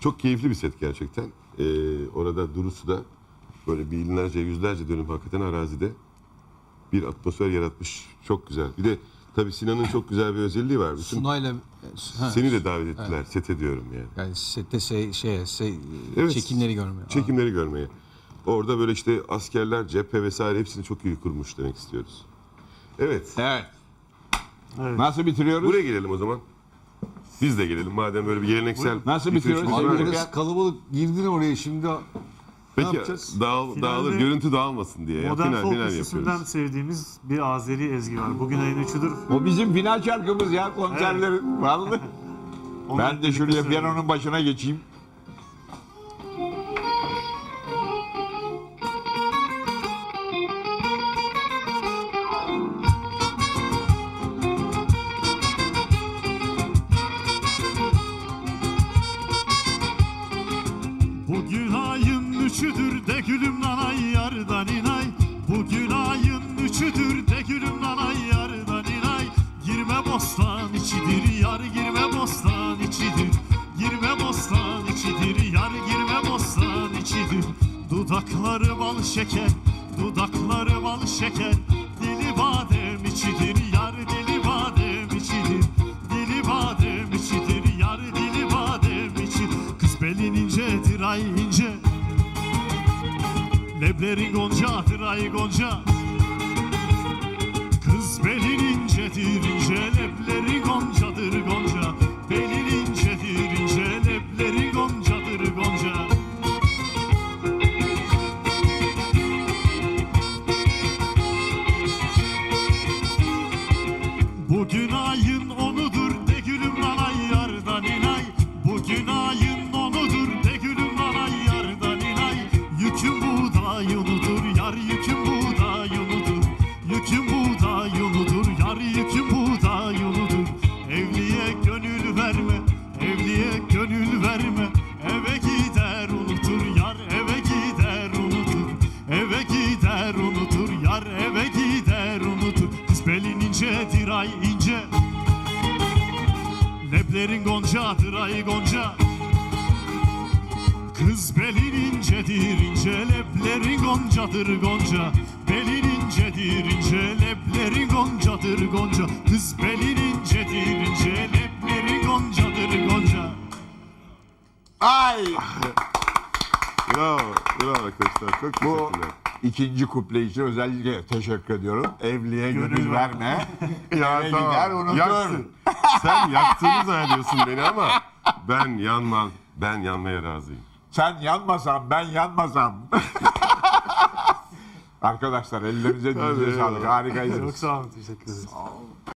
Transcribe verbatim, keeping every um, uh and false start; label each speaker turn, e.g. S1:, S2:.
S1: Çok keyifli bir set gerçekten. Ee, orada Durusu da böyle binlerce, yüzlerce dönüm hakikaten arazide bir atmosfer yaratmış. Çok güzel. Bir de tabii Sinan'ın çok güzel bir özelliği var. Bütün
S2: Sunay'la ha,
S1: seni de davet ettiler. Evet. Sete diyorum yani.
S2: Yani sette şey, şey, şey
S1: Evet,
S2: çekimleri görmeye.
S1: Çekimleri görmeye. Orada böyle işte askerler, cephe vesaire hepsini çok iyi kurmuş demek istiyoruz. Evet.
S3: Evet.
S4: Evet.
S3: Nasıl bitiriyoruz?
S1: Buraya gelelim o zaman. Biz de gelelim madem böyle bir geleneksel...
S3: Nasıl
S1: bitirişimiz
S3: bitiriyoruz?
S1: var.
S5: Abi biraz kalabalık girdin oraya şimdi. Ne
S1: Peki
S5: yapacağız?
S1: dağıl,
S4: Finalde
S1: dağılır, görüntü dağılmasın diye. Ya,
S4: Modern
S1: final,
S4: folk
S1: final
S4: üçlüsünden
S1: yapıyoruz.
S4: sevdiğimiz bir Azeri ezgi var. Bugün ayın üçüdür.
S3: O bizim final şarkımız ya konserlerin. Vallahi.
S4: Onu
S3: Ben de
S4: birlikte
S3: şuraya
S4: söyleyelim.
S3: piyanonun başına geçeyim.
S4: Bugün ayın üçüdür de gülüm nanay yardan inay. Bugün ayın üçüdür de gülüm nanay yardan inay. Girme bostan içidir yar girme bostan içidir. Girme bostan içidir yar girme bostan içidir. Dudakları bal şeker, dudakları bal şeker. Dili badem içidir yar dili badem içidir. Dili badem içidir yar dili badem içidir. Kız belin incedir ay ince. Leblerin goncadır ay gonca. Kız belin incedir ince. Leblerin goncadır gonca. Belin incedir ince. Leblerin goncadır gonca. Bugün ayın onudur de gülüm nanay yardan inay. Bugün ayın onudur de gülüm nanay yardan inay. Yükün buğday unudur yar yükün buğday unudur. Yükün buğday unudur yar yükün buğday unudur. Evliye gönül verme, evliye gönül verme. Eve gider unutur yar eve gider unutur. Eve gider unutur yar eve gider unutur. Kız belin incedir ay ince. Leblerin goncadır ay gonca. Kız belin incedir ince. Leblerin goncadır gonca. Belin incedir ince. Leblerin goncadır gonca. Kız belin incedir ince. Leblerin goncadır gonca.
S3: Ay!
S1: Bravo, bravo arkadaşlar. Çok
S3: Bu
S1: teşekkürler.
S3: ikinci kuple için özellikle teşekkür ediyorum. Evliye gönül,
S4: Gönül
S3: verme.
S1: Ya
S3: Eve
S1: tamam.
S3: gider unutur.
S1: Yaksın. Sen yaktığını zannediyorsun beni ama ben yanmam. Ben yanmaya razıyım.
S3: Sen yanmasan ben yanmasam. Arkadaşlar ellerinize dizinize
S1: Hadi
S3: sağlık.
S1: eyvallah.
S3: Harikaydınız.
S4: Çok sağ olun teşekkür ederiz.